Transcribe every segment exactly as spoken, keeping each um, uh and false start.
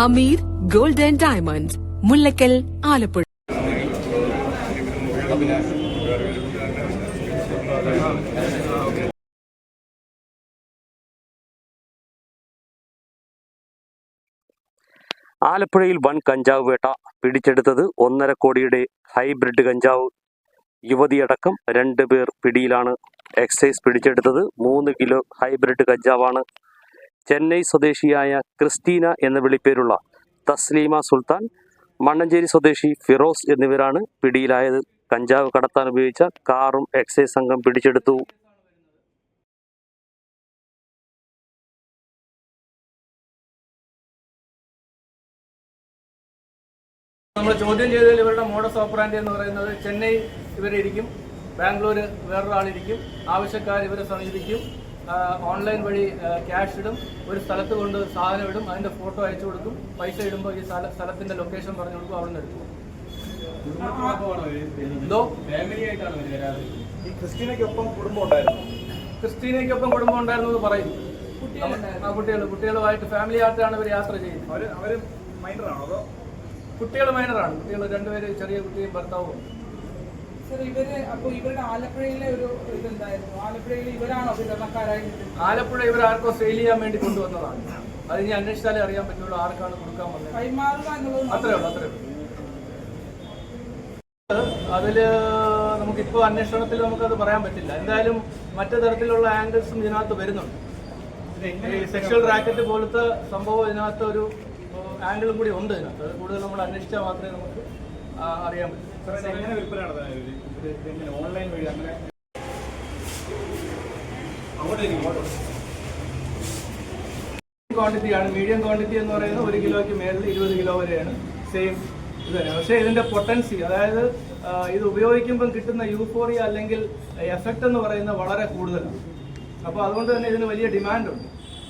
Hameed gold and diamonds, Mullakkal, Alappuzha. ആലപ്പുഴയിൽ വൻ കഞ്ചാവ് വേട്ട. പിടിച്ചെടുത്തത് ഒന്നര കോടിയുടെ ഹൈബ്രിഡ് കഞ്ചാവ്. യുവതിയടക്കം രണ്ട് പേർ പിടിയിലാണ്. എക്സൈസ് പിടിച്ചെടുത്തത് മൂന്ന് കിലോ ഹൈബ്രിഡ് കഞ്ചാവാണ്. ചെന്നൈ സ്വദേശിയായ ക്രിസ്റ്റീന എന്ന വിളിപ്പേരുള്ള തസ്ലീമ സുൽത്താൻ, മണ്ണഞ്ചേരി സ്വദേശി ഫിറോസ് എന്നിവരാണ് പിടിയിലായത്. കഞ്ചാവ് കടത്താൻ ഉപയോഗിച്ച കാറും എക്സൈസ് സംഘം പിടിച്ചെടുത്തു. നമ്മൾ ചോദ്യം ചെയ്തതിൽ ഇവരുടെ മോഡസ് ഓപ്പറാൻഡി എന്ന് പറയുന്നത് ചെന്നൈ ഇവരിരിക്കും, ബാംഗ്ലൂർ വേറൊരാളിരിക്കും, ആവശ്യക്കാർ ഇവരെ സമീപിക്കും, ഓൺലൈൻ വഴി ക്യാഷ് ഇടും, ഒരു സ്ഥലത്ത് കൊണ്ട് സാധനം ഇടും, അതിൻ്റെ ഫോട്ടോ അയച്ചു കൊടുക്കും, പൈസ ഇടുമ്പോൾ ഈ സ്ഥല സ്ഥലത്തിൻ്റെ ലൊക്കേഷൻ പറഞ്ഞു കൊടുക്കും, അവിടെ നിന്ന് എടുക്കും. എന്തോ ക്രിസ്റ്റീനയ്ക്കൊപ്പം കുടുംബം ഉണ്ടായിരുന്നു ക്രിസ്റ്റീനയ്ക്കൊപ്പം കുടുംബം ഉണ്ടായിരുന്നു എന്ന് പറയും. ആ കുട്ടികൾ കുട്ടികളുമായിട്ട് ഫാമിലി ആയിട്ടാണ് ഇവർ യാത്ര ചെയ്യുന്നത്. അവർ അവർ മൈനറാണോ അതോ? കുട്ടികൾ മൈനറാണ്. കുട്ടികൾ രണ്ടുപേര് ചെറിയ കുട്ടിയും ഭർത്താവും. ഇവര് അപ്പൊ ഇവരുടെ ആലപ്പുഴയിലെ ഒരു ഇതെന്തായിരുന്നു? ആലപ്പുഴയിൽ ഇവരാണോ വിതരണക്കാരായി? ആലപ്പുഴ ഇവർ ആർക്കോ സെയിൽ ചെയ്യാൻ വേണ്ടി കൊണ്ടുവന്നതാണ്. അത് ഇനി അന്വേഷിച്ചാലേ അറിയാൻ പറ്റുള്ളൂ ആർക്കാണ് കൊടുക്കാൻ വന്നത്. കൈമാറുക എന്നുള്ളത് അത്രേ ഉള്ളൂ അത്രേ ഉള്ളൂ അതില് നമുക്കിപ്പോൾ അന്വേഷണത്തിൽ നമുക്കത് പറയാൻ പറ്റില്ല. എന്തായാലും മറ്റു തരത്തിലുള്ള ആംഗിൾസും ഇതിനകത്ത് വരുന്നുണ്ട്. ഈ സെക്ഷൽ റാക്കറ്റ് പോലത്തെ സംഭവം ഇതിനകത്ത് ഒരു ആംഗിളും കൂടി ഉണ്ട്. ഇതിനകത്ത് അത് കൂടുതൽ നമ്മൾ അന്വേഷിച്ചാൽ മാത്രമേ നമുക്ക് അറിയാൻ പറ്റൂ. ഓൺലൈൻ വഴി അങ്ങനെ ക്വാണ്ടിറ്റിയാണ്. മീഡിയം ക്വാണ്ടിറ്റി എന്ന് പറയുന്നത് ഒരു കിലോയ്ക്ക് മേളിൽ ഇരുപത് കിലോ വരെയാണ് സെയിം ഇത് തന്നെ. പക്ഷേ ഇതിന്റെ പൊട്ടൻസി, അതായത് ഇത് ഉപയോഗിക്കുമ്പം കിട്ടുന്ന യൂഫോറിയ അല്ലെങ്കിൽ എഫക്റ്റ് എന്ന് പറയുന്നത് വളരെ കൂടുതലാണ്. അപ്പോൾ അതുകൊണ്ട് തന്നെ ഇതിന് വലിയ ഡിമാൻഡുണ്ട്.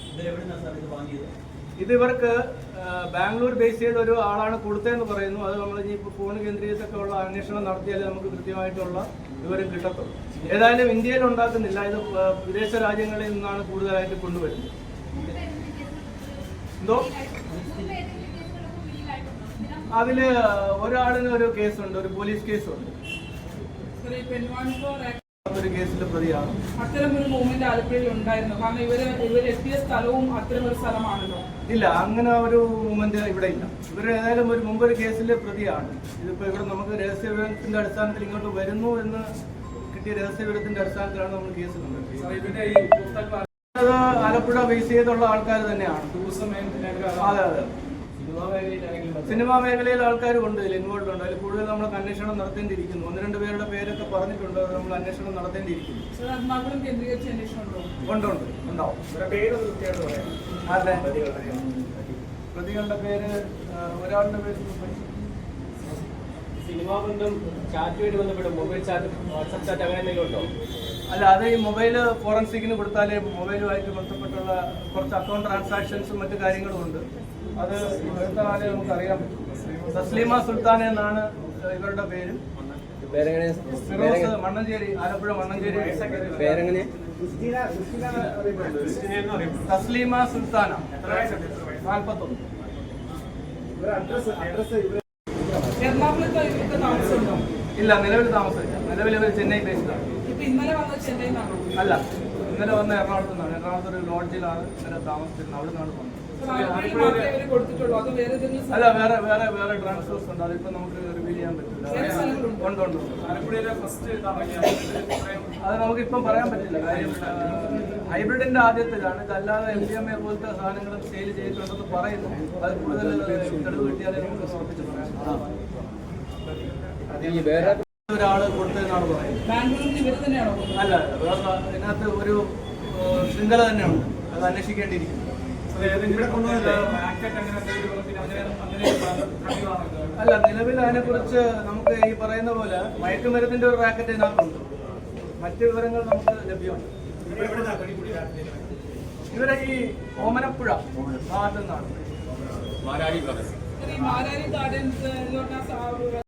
ഇത് ഇവർക്ക് ബാംഗ്ലൂർ ബേസ് ചെയ്ത ഒരു ആളാണ് കൊടുത്തതെന്ന് പറയുന്നു. അത് നമ്മൾ ഇനി ഇപ്പോൾ ഫോൺ കേന്ദ്രീകരിച്ചൊക്കെ ഉള്ള അന്വേഷണം നടത്തിയാലേ നമുക്ക് കൃത്യമായിട്ടുള്ള വിവരം കിട്ടത്തുള്ളൂ. ഏതായാലും ഇന്ത്യയിൽ ഉണ്ടാക്കുന്നില്ല, ഇത് വിദേശ രാജ്യങ്ങളിൽ നിന്നാണ് കൂടുതലായിട്ട് കൊണ്ടുവരുന്നത്. എന്തോ അതില് ഒരാളിന് ഒരു കേസുണ്ട്, ഒരു പോലീസ് കേസുണ്ട്. ഒരു കേസിൽ പ്രതിയാണ്. അത്തരമൊരു മൂവ്മെന്റ് ആലപ്പുഴയിൽ ഉണ്ടായിരുന്നു. കാരണം ഇവര് ഇവർ എത്തിയ സ്ഥലവും അത്തരമൊരു സ്ഥലമാണല്ലോ. ഇല്ല, അങ്ങനെ ഒരു മൂവ്മെന്റ് ഇവിടെ ഇല്ല. ഇവർ ഏതായാലും ഒരു മുമ്പൊരു കേസിൽ പ്രതിയാണ്. ഇതിപ്പോ ഇവിടെ നമുക്ക് രഹസ്യ വിവരത്തിന്റെ അടിസ്ഥാനത്തിൽ ഇങ്ങോട്ട് വരുന്നു എന്ന് കിട്ടിയ രഹസ്യ വിവരത്തിന്റെ അടിസ്ഥാനത്തിലാണ് നമ്മൾ കേസ് കണ്ടത്. അത് ആലപ്പുഴ ബേസ് ചെയ്തുള്ള ആൾക്കാർ തന്നെയാണ്. അതെ അതെ സിനിമാ മേഖലയിൽ ആൾക്കാരും ഉണ്ട്, ഇതിൽ ഇൻവോൾവ് ഉണ്ട്. അതിൽ കൂടുതൽ നമ്മൾ അന്വേഷണം നടത്തേണ്ടിയിരിക്കുന്നു. ഒന്ന് രണ്ട് പേരുടെ പേരൊക്കെ പറഞ്ഞിട്ടുണ്ട്, അത് നമ്മൾ അന്വേഷണം നടത്തേണ്ടിയിരിക്കുന്നു. ഉണ്ട് ഉണ്ട് ഉണ്ടാവും. പ്രതികളുടെ പേര് ഒരാളുടെ പേര് സിനിമാ ബന്ധം ചാറ്റുമായിട്ട് ബന്ധപ്പെട്ട് മൊബൈൽ ചാറ്റ്, വാട്സ്ആപ്പ് ചാറ്റ് അങ്ങനെ എന്തെങ്കിലും ഉണ്ടോ? അല്ല, അത് ഈ മൊബൈൽ ഫോറൻസിക്കിന് കൊടുത്താലേ മൊബൈലുമായിട്ട് ബന്ധപ്പെട്ടുള്ള കുറച്ച് അക്കൗണ്ട് ട്രാൻസാക്ഷൻസും മറ്റു കാര്യങ്ങളും ഉണ്ട്. അത് എടുത്താലേ നമുക്ക് അറിയാൻ പറ്റും. തസ്ലീമ സുൽത്താൻ എന്നാണ് ഇവരുടെ പേര്. ഫിറോസ്, മണ്ണഞ്ചേരി, ആലപ്പുഴ മണ്ണഞ്ചേരി. തസ്ലീമ സുൽത്താന, നാൽപ്പത്തൊന്ന്. ഇല്ല, നിലവിൽ താമസമില്ല. നിലവിൽ ഇവർ ചെന്നൈ ബേസ്ഡാണ്. അല്ല, ഇന്നലെ വന്ന എറണാകുളത്ത് നിന്നാണ്. എറണാകുളത്ത് ഒരു ലോഡ്ജിലാണ് ഇന്നലെ താമസിച്ചിരുന്നത്. അവിടെ നിന്നാണ് വന്നത്. അല്ല, വേറെ വേറെ വേറെ ട്രാൻസ്ഫേഴ്സ് ഉണ്ട്. അതിപ്പോ നമുക്ക് റിവീൽ ചെയ്യാൻ പറ്റില്ല. ഉണ്ട് ഉണ്ട് അത് നമുക്കിപ്പം പറയാൻ പറ്റില്ല. കാര്യം ഹൈബ്രിഡിന്റെ ആദ്യത്തെ ഇതാണ്. ഇതല്ലാതെ എം ഡി എം എ പോലത്തെ സാധനങ്ങൾ സെയിൽ ചെയ്തിട്ടുണ്ടെന്ന് പറയുന്നു. അത് കൂടുതൽ തെളിവ് കിട്ടിയാലേ നമുക്ക് ഉറപ്പിച്ച് പറയാം. ഒരാള് കൊടുത്തതെന്നാണ് പറയുന്നത്. അല്ല, വേറെ ഇതിനകത്ത് ഒരു ശൃംഖല തന്നെ ഉണ്ട്. അത് അന്വേഷിക്കേണ്ടിയിരിക്കുന്നു. അല്ല, നിലവിൽ അതിനെക്കുറിച്ച് നമുക്ക് ഈ പറയുന്ന പോലെ മയക്കുമരുന്നിന്റെ ഒരു റാക്കറ്റ് ഇതിനകത്തുണ്ട്. മറ്റു വിവരങ്ങൾ നമുക്ക് ലഭ്യമാണ്. ഇവരെ ഈ ഓമനപ്പുഴ ഭാഗത്തു നിന്നാണ്.